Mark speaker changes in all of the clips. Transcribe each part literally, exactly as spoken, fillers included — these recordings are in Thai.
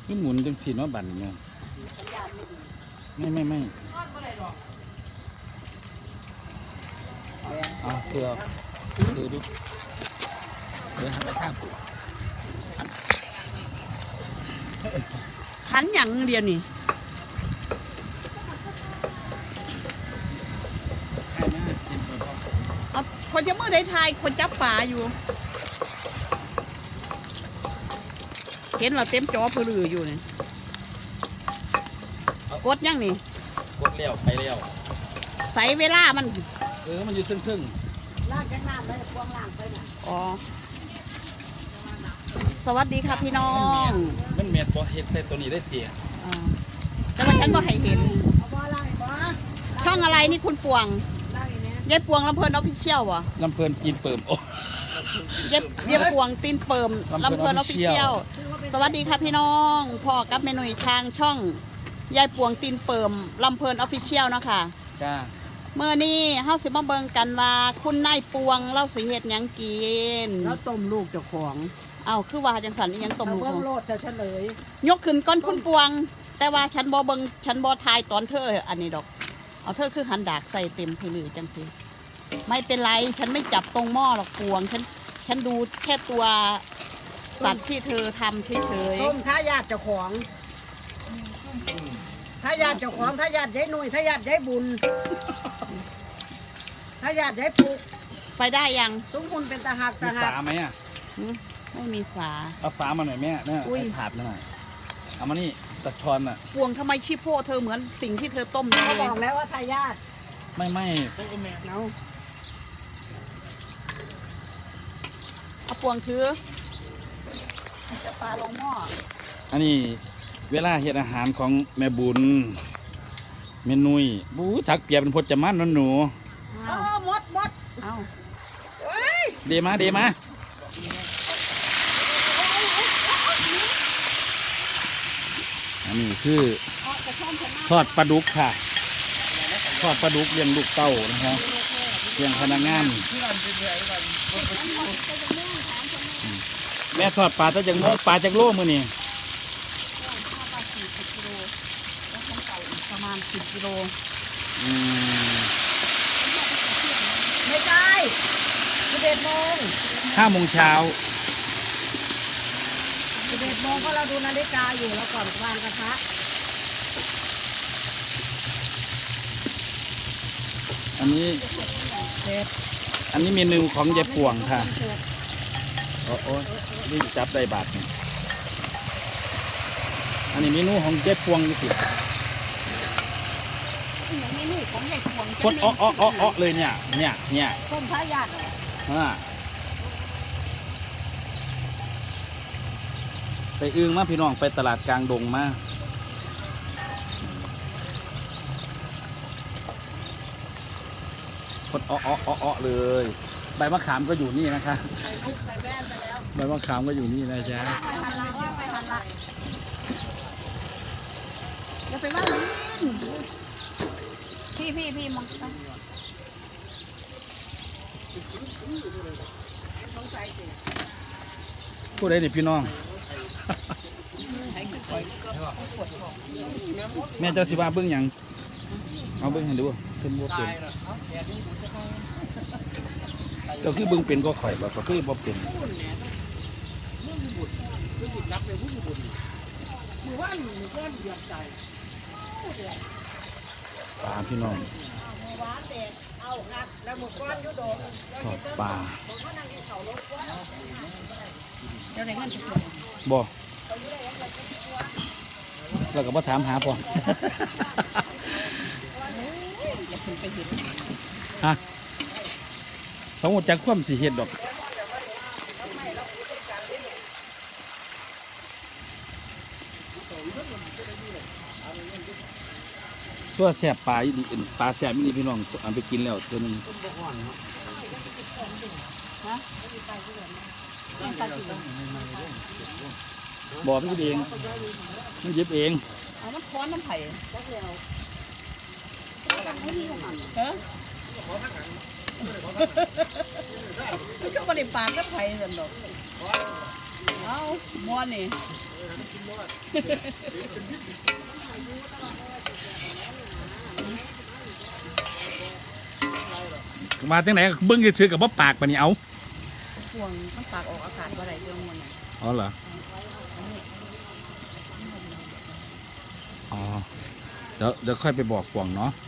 Speaker 1: คือหมุนจังสีน้อบันเนี่ยไม่ไม่ไม่เอาเถื่อถือดูเดี๋ยวไปข้างกู
Speaker 2: หันอย่างเดียวนี่เอาคนจะเมื่อได้ทายคนจับป่าอยู่เห็นเราเต็มจอเพลืออยู่นี่กดยังนี่
Speaker 1: กดเลี้ยวไปเลี้ยว
Speaker 2: ใส่เวลามัน
Speaker 1: เออมันอยู่ซึ่งซึ่ง
Speaker 2: ลากยังน้ำเลยพวงล่างไปน่ะอ๋อสวัสดีค่ะพี่น้อง
Speaker 1: มันเมียดพอเห็ดใส่ตัวนี้ได้เตี๋ย
Speaker 2: แต่ว่าฉันก็ให้เห็นช่องอะไรนี่คุณปวงยายปวงลำเพลินออฟฟิเชียลวะ
Speaker 1: ลำเพลินจีนเปิ่มโอ้
Speaker 2: ยายยายปวงตีนเปิ่มลำเพลินออฟฟิเชียลสวัสดีค่ะพี่น้องพ่อกับเมนูทางช่องยายปวงตีนเปิ่มลำเพลินออฟฟิเชียลเนาะค่ะ
Speaker 1: จ้า
Speaker 2: เมื่อนี้เฮาสิมาเบิ่งกันว่าคุณนายปวงเล่าสิเฮ็ดหยังกิน
Speaker 3: แล้วต้มลูกเจ้าของ
Speaker 2: เอ้าคือว่าจังสันอีหยังต้มลูก
Speaker 3: เบิ่งโลดจะเฉลย
Speaker 2: ยกขึ้นก้อนคุณปวงแต่ว่าฉันบ่เบิ่งฉันบ่ทายตอนเธออันนี้ดอกเอาเธอคือหันดากใส่เต็มเพลือจังสิไม่เป็นไรฉันไม่จับตรงหม้อหรอกปวงฉันฉันดูแค่ตัวสัตว์ที่เธอทำเฉย
Speaker 3: ๆต้มถ้าญาติเจ้าของถ้าญาติเจ้าของถ้าญาติยายหนุ่ยถ้าญาติยายบุญถ้าญาติยายปุก
Speaker 2: ไปได้ยัง
Speaker 3: สมคุณเป็นตาหักตาหัก
Speaker 1: ฝาไหมอ่ะ
Speaker 2: ไม่มีฝา
Speaker 1: เอาฝามาหน่อยแม่เนี่ยถาดมาหน่อยเอามานี่ตะชอนอ่ะ
Speaker 2: ปวงทำไมชิโป้เธอเหมือนสิ่งที่เธอต้ม
Speaker 3: เขาบอกแล้วว่าทายาท
Speaker 1: ไม่ไม่
Speaker 2: เอาเอาปวงถือจะปลาลงหม้อ
Speaker 1: อันนี้เวลาเฮ็ดอาหารของแม่บุญเมนุยบู๊ถักเปียเป็นพจมันนั่นหนู
Speaker 3: เอาหมดหมด
Speaker 2: เอา
Speaker 1: เดมาเดมาอันนี้คือทอดปลาดุกค่ะทอดปลาดุกเลี้ยงลูกเต้านะครับเลี้ยงพนักงานแม่ทอดปลาจะจังปลาจากโลมือนี่
Speaker 2: ประมาณสิบกิโล
Speaker 3: ไม่ใช่สิบเอ็ดโมง
Speaker 1: ห้าโมงเช้า
Speaker 3: สิบเอ็ดโมงก็เราดูนาฬิกาอยู่แล้วก่อนวางกระทะ
Speaker 1: อันนี้อันนี้เมนูของยายป่วงค่ะโอ้โหนี่จับได้บาทนี่อันนี้เมนูของยายป่วงนี่สิ
Speaker 2: เมนูของยายป่วง
Speaker 1: คนอ้ออ้ออ้ออ้อเลยเนี่ยเนี่ยเนี่ย
Speaker 2: ต้มทายาท
Speaker 1: อ่าไปอึ้งมาพี่น้องไปตลาดกลางดงมาคนอ้ออ้ออ้ออ้อเลยใบมะขามก็อยู่นี่นะคะใบมะขามก็อยู่นี่นะจ๊ะ
Speaker 2: อย่าไปว่าพี่พี่พี่มองไป
Speaker 1: พูดได้ดิพี่น้องแม่เจ้าสิว่าเบิ้งยังเอาเบิ้งให้ดูเป็นบัวเป็นเจ้าคือเบิ้งเป็นก็ข่อยแบบก็คือบัวเป็นปลาพี่น้องทอดปลาบ่เราก็มาถามหาพ่อฮะเขาหมดจากความสีเห็ดดอกตัวแสบปลาอีดีปลาแสบอีดีพี่น้องเอาไปกินแล้วตัวนึงบอกมันเองมันเย็บเอง
Speaker 2: เอามันค้อนน้ำไผ่ฮะมันก็บริปากก็ไผ่สันดอกเอาม้วนนี่
Speaker 1: มาจังไหนเบิ้งซื้อกับว่าปากปะนี่เอา
Speaker 2: พวงมันปากออกอากาศว่าไรเรื่องมัน
Speaker 1: อ๋อเหรออ๋อเดี๋ยวเดี๋ยวค่อยไปบอกกวางเนาะ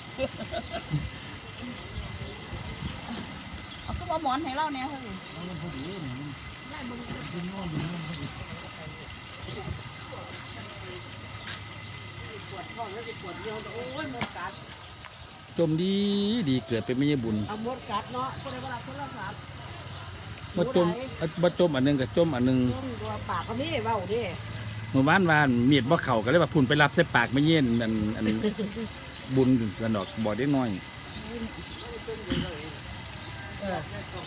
Speaker 2: เอาก็ว่าหมอนให้เราเนี่ยเฮ้ยโอ้ยหมดกัด
Speaker 1: จมดีดีเกิดเป็นไม่ใช่บุญ
Speaker 2: เอาหมดกัดเนาะก็เลยว่าเราโทรศัพท์
Speaker 1: มาจมมาจมอันหนึงกับจมอันหนึง
Speaker 2: ต้มตัวปากก็มีเบ้าดิ
Speaker 1: เมื่อวานวานเมียดบ่เข่าก็เลยว่าพุ่นไปรับใส่ปากไม่เย็นอันอันบุญกันดอกบ่ได้น้อย
Speaker 2: เออ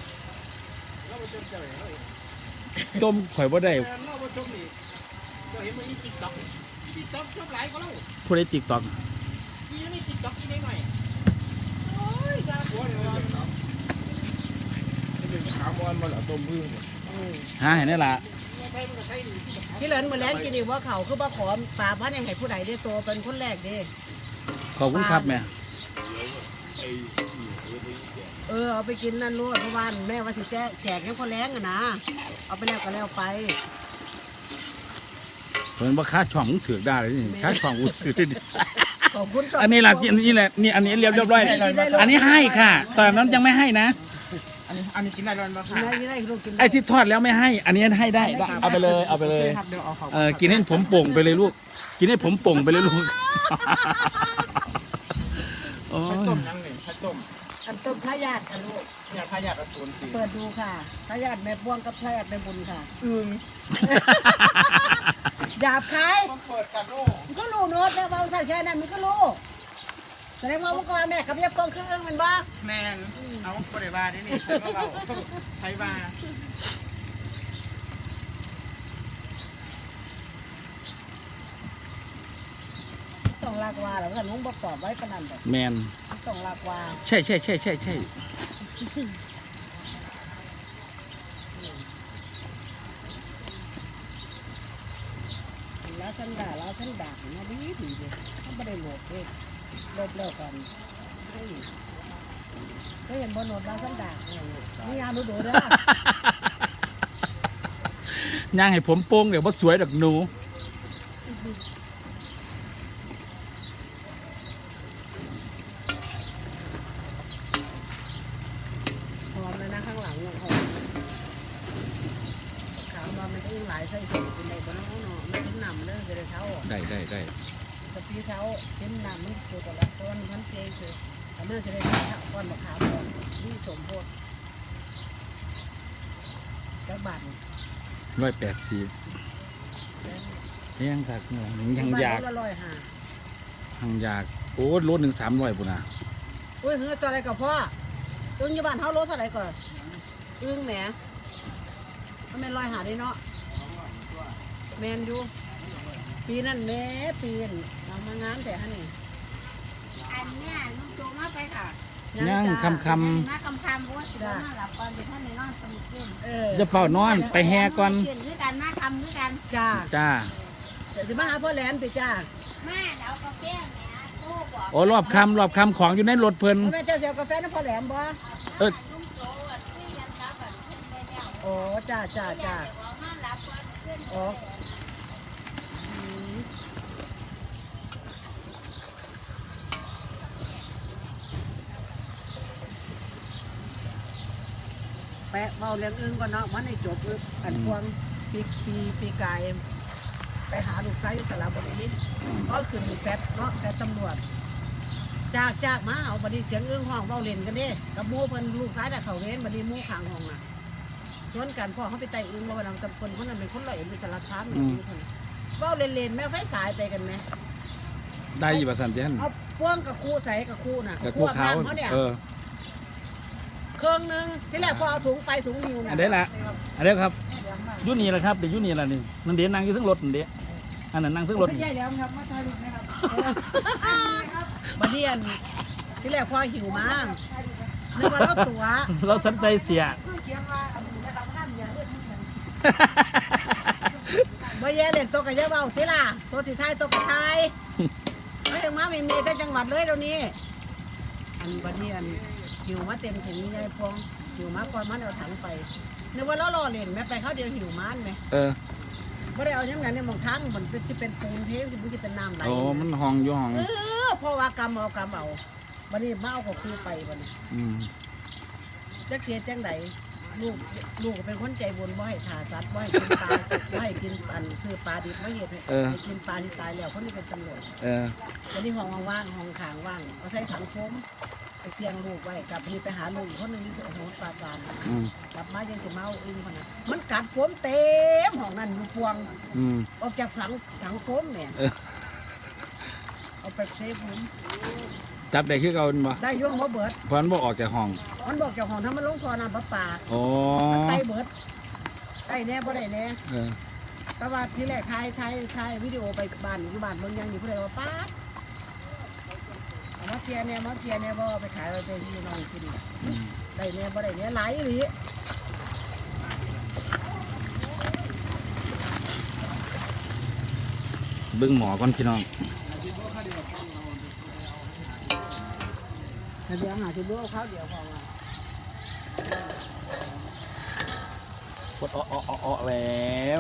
Speaker 1: จมข่อยบ่ได้
Speaker 4: เราไปชมนี่เราเห็นมันมีติ๊กต็อกติ๊กต็อกชอบหลายก็แล้ว
Speaker 1: ผู้ใดติ๊กต็อก
Speaker 4: มีนี่ติ๊กต็อกที่ไหนหน่อยโอ้ยจ้าหัวเดี๋ยวเราจะเป็นขาวบอลมาหล่อต้มพึ่ง
Speaker 1: หาเห็นได้ละ
Speaker 4: ใช่มันก็ใช่หนึ่งที่แบบ
Speaker 2: ที่เหลือมาแล้วกินอีกว่าเขาคือว่าขอปลาพันให้ผู้ใดได้โตเป็นคนแรกดิ
Speaker 1: ขอบคุณครับแม่
Speaker 2: เออเอาไปกินนั่นรู้เพราะว่าแม่ว่าสิแจกแจกให้คนแรงอะนะเอาไปแล้วก็แล้วไป
Speaker 1: เพิ่นว่าค่าช่องมึงถือได้เลยนี่ค่าช่องกูซื้อได้ดิ
Speaker 2: ขอบคุณ
Speaker 1: อันนี้ล่ะอันนี้แหละนี่อันนี้เรียบเรียบร้อยอันนี้ให้ค่ะ ตอนนั้นยังไม่ให้นะ
Speaker 4: อันนี้อันนี้กินได้ร้อนปะ
Speaker 2: กินได้กินได้ลูกกินได้
Speaker 1: ไอ้ที่ทอดแล้วไม่ให้ อันนี้ให้ได้ได้เอาไปเลยเอาไปเลย
Speaker 4: ครับเดี๋ยวเอาเขา
Speaker 1: เออกินให้ผมโป่งไปเลยลูก กินให้ผมโป่งไปเลยลูกโอ้
Speaker 4: ข้าวย ต้ม
Speaker 1: Ờ.
Speaker 4: ยังหนึ่งข้าวต้ม
Speaker 2: อันต้มทายาทค่ะลูก
Speaker 4: เนี่ยพายาตอสูรสี
Speaker 2: เปิดดูค่ะทายาทแม่พวงกับทายาทแม่บุญค่ะ
Speaker 4: อึ่ง
Speaker 2: ดาบขาย
Speaker 4: มันเปิดกันโลก
Speaker 2: มันก็รู้โน้ตแม่ว่าใส่แค่นั้นมันก็รู้แสดงว่าเมื่อก่อนแม่กับยับกองเครื่องมันบ้า
Speaker 4: แมนเอาปริบาได้นี่ใช้มาเราใช้มา
Speaker 2: ต้องลากวาแล้วก็ลุงบอกตอบไว้ปานนันแบบ
Speaker 1: แมน
Speaker 2: ต้องลากวา
Speaker 1: ใช่ใช่ใช่ใช่ใช่
Speaker 2: แล้วสันดาแล้วสันดาเนี่ยดีดีเลยต้องไม่ได้โหลดเลยโหลดเลิกก่อนเฮ้ยก็เห็นบนโหลดแล้วสันดาเนี่ยนี่ยามดูดูเด้อย่าง
Speaker 1: ให้ผมโป่งเดี๋ยวบ่สวยดอกหนู
Speaker 2: หอมเลยนะข้างหลังเนี่ยหอมขาวมามันก็ยังหลายไส้สูงเป็นในบนน้องเนาะไม่ชิ้นนำเลยจะได้เท้า
Speaker 1: ได้ได้ได้
Speaker 2: สปีเท้าชิ้นนำมันสูงกว่าละต้นพันเกยสูงอันนั้นจะได้เท้าก้อนมะขามก่อนที่สมโพธิแล้วบัตร
Speaker 1: ร้อยแปดสิบยังคักยังอยาก
Speaker 2: ละร้อยห้า
Speaker 1: ยังอยากโอ้รถหนึ่งสามร้อยปุ่นนะ
Speaker 2: อุ้ยเฮ้ยตัวอะไรกับพ่ออึ้งอยู่บ้านเท่ารถเท่าไหร่ก่อนอึ้งแหมมันเป็นร้อยหาได้เนาะแมนอยู่ปีนั่นแม่ปีนเอามางานแต่ฮะนี่
Speaker 3: อันเนี้ยลุงโจมาไปค่ะ
Speaker 1: ยังคำค
Speaker 3: มาคำคำเพราะว่าสิบห้าหลับก่อนเดี๋ยวท่านในนอนตำเต้น
Speaker 2: เออ
Speaker 1: ำจะเฝ้านอนไปแห่ก่อน
Speaker 3: เต้นด้วยกันมาคำด้วยกัน
Speaker 2: จ้า
Speaker 1: จ้า
Speaker 2: เดี๋ยวจะมาหาพ่อแหลมติจ้า
Speaker 3: มาเดี๋ยวกาแฟเนี่ยตู้บอก
Speaker 1: โอ้รอบคำรอบคำของอยู่ในรถเพิ่น
Speaker 2: พ่อแม่เจ้าเสียวกาแฟน้ำพ่อแหลมบ่
Speaker 1: เออ
Speaker 3: ลุงโจอ่ะที่ยันรับแบบขึ้นไปแล้ว
Speaker 2: โอ้จ้าจ้าจ้า
Speaker 3: เดี๋ยวมาหลับก่อนขึ้น
Speaker 2: โอ้อืมแปะเบาเลี้ยงอึ้งก่อนเนาะมันให้จบอึ้งอันพวงปีปีปีกายไปหาลูกไซส์สระบุรีก็ขึ้นแฟดเนาะแฟดตำรวจจากจากมาเอาบัดนี้เสียงอึ้งห้องเบาเล่นกันเด้กับหมู่เพิ่นลูกซ้ายแต่เขาเว้นบัดนี้หมู่ข้างห้องน่ะสวนกันพ่อเขาไปไต่อึ้งบ่ว่านํกับคนคนนั้นเป็นคนร้อยเอ็ดเป็นสารคามนี่เพิ่นเว้าเล่นๆแม่ไฟสายไปกันไหม
Speaker 1: ได้อยู่ประสันเจน
Speaker 2: เอาพ่วงกับคู่ใส่กับคู่น่ะ
Speaker 1: กับคู่เขา
Speaker 2: น้ำเขาเนี่ย
Speaker 1: เออ
Speaker 2: เครื่องนึงที่แรกพอเอาถุงไปถุงหิวน่ะ
Speaker 1: อันนี้ละอันนี้ครับอยุนี่แหละครับเดี๋ยวอยุนี่แหละนี่นั่นเดี๋ยวนั่งอยู่ซึ่งรถนั่นเดี๋ยวอันนั้นนั่งซึ่งรถ
Speaker 2: ไม่
Speaker 1: นี่
Speaker 2: ใช่แล้วครับมาถ่ายรูปนะครับบัดเดียนที่แรกพอหิวมานึกว่าเราตัว
Speaker 1: เราสนใจเสีย
Speaker 2: บ่แย่
Speaker 3: เล่นโตกับเยอะเบาทีล่ะโตสิทายโตกับทายไม่ถึงมาไม่มีแต่จังหวัดเลยเดี๋ยวนี้อันบัดนี้อันหิวมาเต็มถึงยายพวงหิวมาก่อนมันเอาถังไปนึกว่าเรารอเล่นแม่ไปเขาเดียวหิวมันไหม
Speaker 1: เออ
Speaker 3: ไม่ได้เอาอย่างนั้นในมองทางมันเป็นที่เป็นปูนเทสิมันจะเป็นน้ำไหล
Speaker 1: โอ้มันห้องอยู่ห้อง
Speaker 3: เออเพราะว่ากำเอากำเอาบัดนี้มาเอาก็คือไปบัดนี้
Speaker 1: อืม
Speaker 3: จักเสียจังไดลูกลูกก็เป็นคนใจบุญบ่ให้ขาสัตว์บ่ให้กินปลาสดบ่ให้กินอันซื้อปลาดิบบ่เฮ็ดให้ให้กินปลาที่ตายแล้วคนนี้เป็นตำรวจ
Speaker 1: เออ
Speaker 3: วันนี้ห้องว่างๆห้องขางว่างเอาใส่ถังโฟมไปเสียงลูกไว้กลับนี่ไปหาลูกอีกคนหนึงที่สมุทรปราการ
Speaker 1: อืม
Speaker 3: กลับมายังสิมาเอาอึ้งคนนั้นมันกัดโฟมเต็มห้องนั้นอยู่พวง
Speaker 1: อืม
Speaker 3: ออกจากถังถังโฟมเนี่ย
Speaker 1: เออ
Speaker 3: เอาไปเซฟผม
Speaker 1: จับได้คือเก่าบ่
Speaker 3: ได้ย่งบ่เบิด
Speaker 1: เพราะมันบ่ออกจากห้อง
Speaker 3: มันบอกเจ้าของถ้ามันลงท่อน้ำประปา
Speaker 1: โอ้
Speaker 3: ไตเบิดไตแน่บ่ได้แน่
Speaker 1: เออ
Speaker 3: แต่ว่าที่แรกถ่ายถ่ายถ่ายวิดีโอไปบ้านอยู่บ้านเมืองยังอยู่ผู้ใดว่าป้าดเอามาเทียเนี่ยมาเทียเนี่ยบ่เอาไปขายไปเป็นพี่น้องกิน
Speaker 1: อืม
Speaker 3: ได้เนี่ยบ่ได้เนี่ยหลายอีหลี
Speaker 1: เบิ่งหมอก่อนพี่น้อง
Speaker 3: ถ้าเดี๋ยวหาสิบ่เอาข้าวเดียวพอว่า
Speaker 1: กดอ้ออ้ออ้ออ้อแล้ว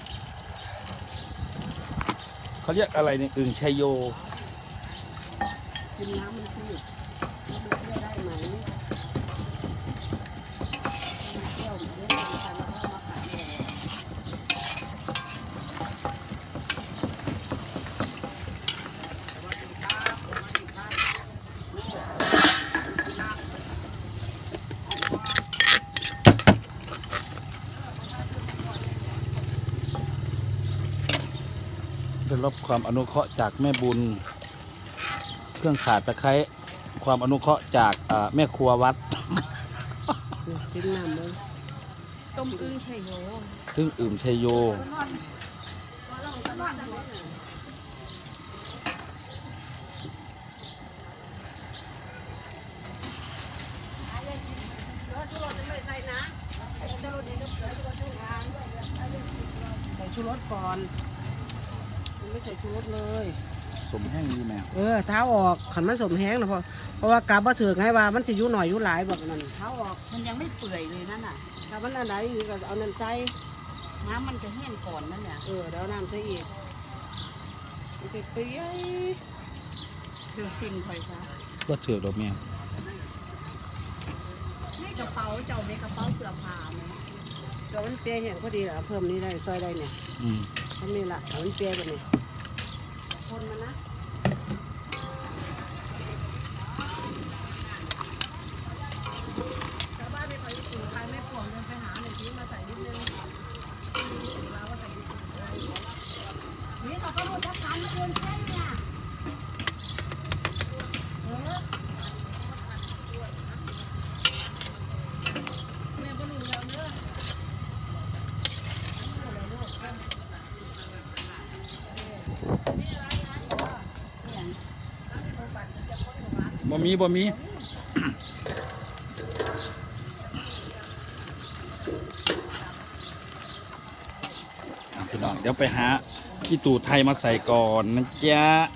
Speaker 1: เขาเรียกอะไรเนี่ยอึ่งชัยโย
Speaker 3: กินน้ำมันสิมันเชื่อได้ไหมเที่ยวเรื่องการแล้วก็มาขายเลย
Speaker 1: ได้รับความอนุเคราะห์จากแม่บุญ เครื่องขาดตะไคร้ความอนุเคราะห์จากอ่าแม่ครัววัด
Speaker 3: ซิ้นน้ำเลย
Speaker 2: ต้มอึ้งชัยโย
Speaker 1: ซึ่งอื่มชัยโย
Speaker 3: ใส่ชูรสก่อนมันไม่ใส่ชูรสเลย
Speaker 1: สมแห้งดีแม่
Speaker 3: เออเท้าออกขันมันสมแห้งนะเพราะเพราะว่ากลับมาถึงให้ว่ามันสิอยู่หน่อยอยู่หลายแบบนั้นเท้าออก
Speaker 2: มันยังไม่เปื่อยเลยนั่นน่ะ
Speaker 3: ถ้ามันอันไหนอีกก็เอาน้ำใส่
Speaker 2: น้ำมันจะแห้งก่อนนั่นเนี่ย
Speaker 3: เออเดี๋ยวเอาน้ำใส่อีกมันจะเปรี้ยว
Speaker 2: เดี๋ยวซิมคอยซะ
Speaker 1: ก็เถื่อดอกแม่
Speaker 2: นี่กระเป๋าเจ้าในกระเป๋าเสื้อผ้าเนี่ย
Speaker 3: เดี๋ยวมันเปรี้ยวแห้งพอดีเอาเพิ่มนี้ได้ซอยได้เนี่ย
Speaker 1: อืม
Speaker 3: ทำนี่ละเอามันเปรี้ยวกันนี่คนมันนะชาวบ้านไม่ค่อยอยู่ใครไม่ปวงเดินไปหาหนึ่งทีมาใส่นิดนึงมาว่าใส่นิดนึงนี่เขาก็รู้จักการมาเดินแค่เนี่ยเออแม่ก็รู้แล้วเนอะ
Speaker 1: บ่มีบ่มี อ่ะพี่น้องเดี๋ยวไปหาขี้ตู่ไทยมาใส่ก่อนนะจ๊ะ